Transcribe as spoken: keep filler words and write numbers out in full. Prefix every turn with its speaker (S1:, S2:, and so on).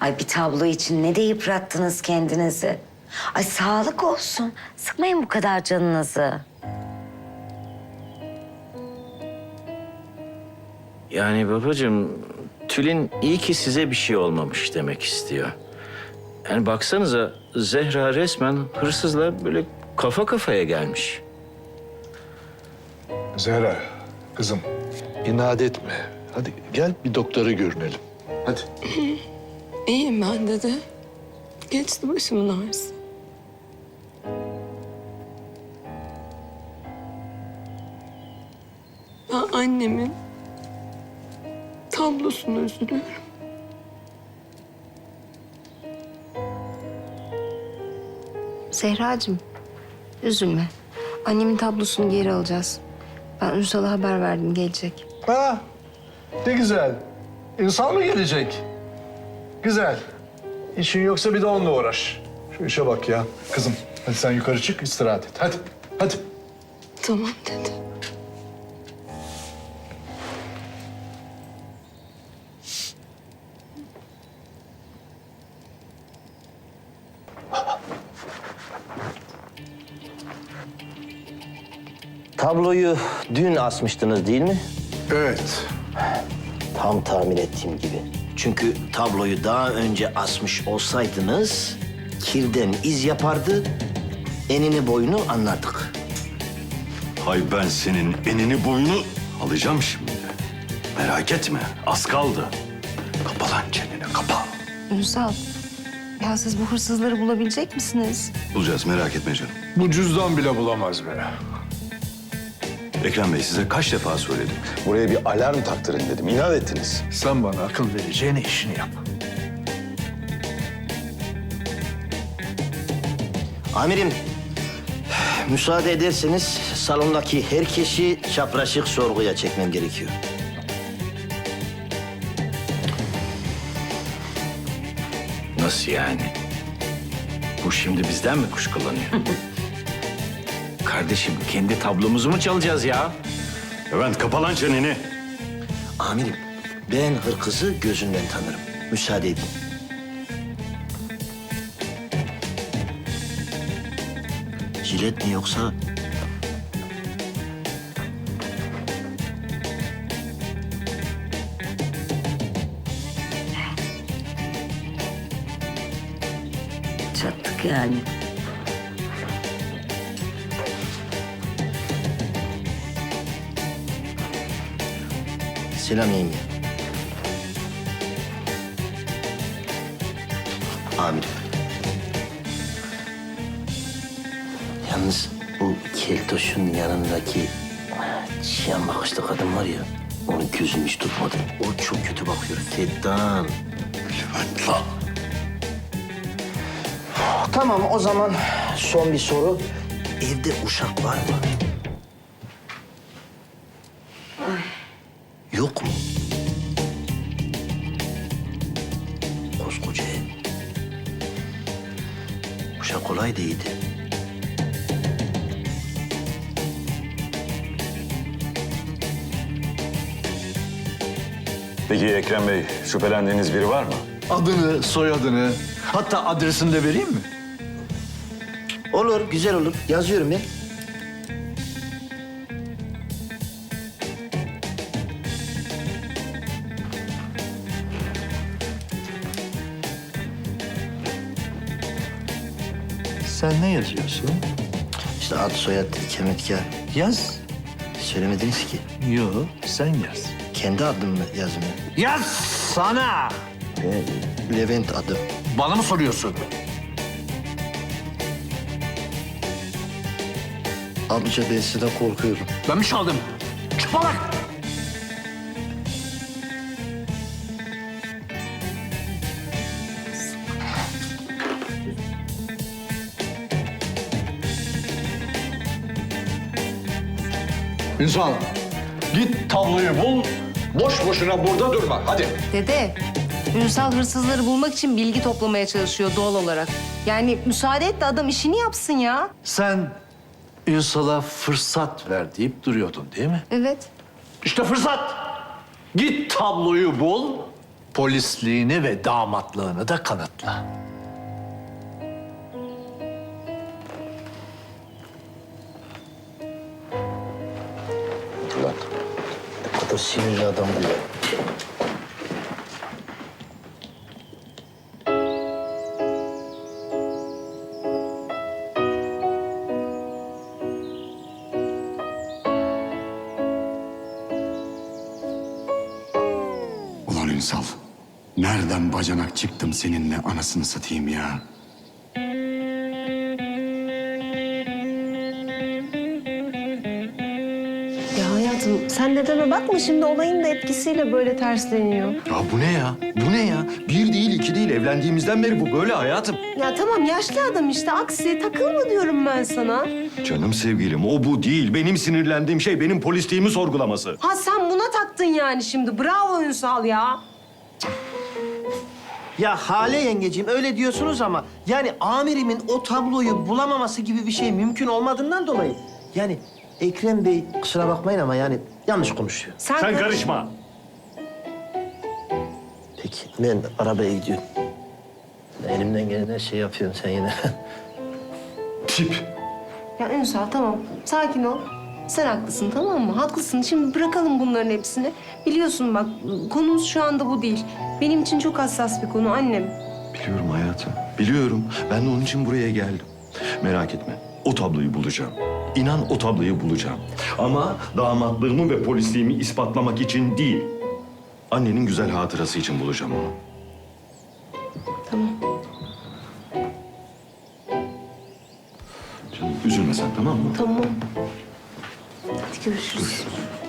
S1: Ay bir tablo için ne de yıprattınız kendinizi. Ay sağlık olsun. Sıkmayın bu kadar canınızı.
S2: Yani babacığım, Tülin iyi ki size bir şey olmamış demek istiyor. Yani baksanıza Zehra resmen hırsızla böyle kafa kafaya gelmiş.
S3: Zehra, kızım.
S4: İnat etme. Hadi gel bir doktora görünelim. Hadi.
S5: İyiyim ben dede. Geçti başımın ağrısı. Ben annemin tablosuna üzülüyorum.
S6: Zehracığım, üzülme. Annemin tablosunu geri alacağız. Ben Ünsal'a haber verdim, gelecek.
S3: Ha, ne güzel. İnsan mı gelecek? Güzel. İşin yoksa bir de onunla uğraş. Şu işe bak ya. Kızım, hadi sen yukarı çık, istirahat et. Hadi, hadi.
S5: Tamam dede.
S7: Tabloyu dün asmıştınız değil mi?
S3: Evet.
S7: Tam tahmin ettiğim gibi. Çünkü tabloyu daha önce asmış olsaydınız kirden iz yapardı, enini boyunu anlardık.
S8: Hay ben senin enini boyunu alacağım şimdi. Merak etme, az kaldı. Kapa lan çeneni, kapa.
S6: Ünsal, ya siz bu hırsızları bulabilecek misiniz?
S8: Bulacağız, merak etme canım.
S3: Bu cüzdan bile bulamaz be.
S8: Ekrem Bey size kaç defa söyledim.
S4: Buraya bir alarm taktırın dedim. İnat ettiniz.
S3: Sen bana akıl vereceğine işini yap.
S7: Amirim, müsaade ederseniz salondaki herkesi çapraşık sorguya çekmem gerekiyor.
S2: Nasıl yani? Bu şimdi bizden mi kuşkulanıyor? Kardeşim, kendi tablomuzu mu çalacağız ya?
S8: Levent kapa lan çeneni.
S7: Amirim, ben hırkızı gözünden tanırım. Müsaade edin. Jilet mi yoksa?
S1: Çattık yani.
S7: Selam yenge. Amirim. Yalnız bu keltoşun yanındaki çiyan bakışlı kadın var ya, onun gözünü hiç tutmadım. O çok kötü bakıyor. Feddan.
S8: Levent lan.
S7: Tamam, o zaman son bir soru. Evde uşak var mı? Yok mu? Koskoca ev. Uşak kolay değildi.
S8: Peki Ekrem Bey, şüphelendiğiniz biri var mı?
S4: Adını, soyadını, hatta adresini de vereyim mi?
S7: Olur, güzel olur. Yazıyorum ben.
S4: Sen ne yazıyorsun?
S7: İşte ad, soyad, ikametgah.
S4: Yaz.
S7: Söylemediniz ki.
S4: Yo, sen yaz.
S7: Kendi adımı yazmıyor.
S4: Yaz sana!
S7: Ee, Levent adım.
S4: Bana mı soruyorsun?
S7: Amca ben sizden korkuyorum.
S4: Ben mi çaldım? Çıkma lan!
S3: İnsan, git tabloyu bul. Boş boşuna burada durma. Hadi.
S6: Dede, Ünsal hırsızları bulmak için bilgi toplamaya çalışıyor doğal olarak. Yani müsaade et de adam işini yapsın ya.
S4: Sen Ünsal'a fırsat ver deyip duruyordun değil mi?
S6: Evet.
S4: İşte fırsat. Git tabloyu bul,
S3: Polisliğini ve damatlığını da kanıtla.
S7: Ulan ne kadar sinirli adam bu ya.
S9: Ulan Ünsal, nereden bacanak çıktım seninle anasını satayım ya?
S6: Ya hayatım sen dedeme bakma şimdi olayın da etkisiyle böyle tersleniyor.
S8: Ya bu ne ya? Bu ne ya? Bir değil, iki değil. Evlendiğimizden beri bu böyle hayatım.
S6: Ya tamam yaşlı adam işte aksi takılma diyorum ben sana.
S8: Canım sevgilim, o bu değil. Benim sinirlendiğim şey benim polisliğimi sorgulaması.
S6: Ha sen buna taktın yani şimdi bravo Ünsal ya.
S7: Ya Hale yengeciğim öyle diyorsunuz ama yani amirimin o tabloyu bulamaması gibi bir şey mümkün olmadığından dolayı yani Ekrem Bey kusura bakmayın ama yani yanlış konuşuyor.
S6: Sen,
S8: Sen
S6: karış-
S8: karışma.
S7: Peki ben arabaya gidiyorum. Ben elimden gelen her şeyi yapıyorum sen yine.
S8: Tip.
S6: Ya Ünsal tamam sakin ol. Sen haklısın tamam mı? Haklısın. Şimdi bırakalım bunların hepsini. Biliyorsun bak konumuz şu anda bu değil. Benim için çok hassas bir konu annem.
S8: Biliyorum hayatım, biliyorum. Ben de onun için buraya geldim. Merak etme, o tabloyu bulacağım. İnan o tabloyu bulacağım. Ama damatlığımı ve polisliğimi ispatlamak için değil. Annenin güzel hatırası için bulacağım onu.
S6: Tamam.
S8: Canım üzülme sen tamam mı?
S6: Tamam. Hadi görüşürüz.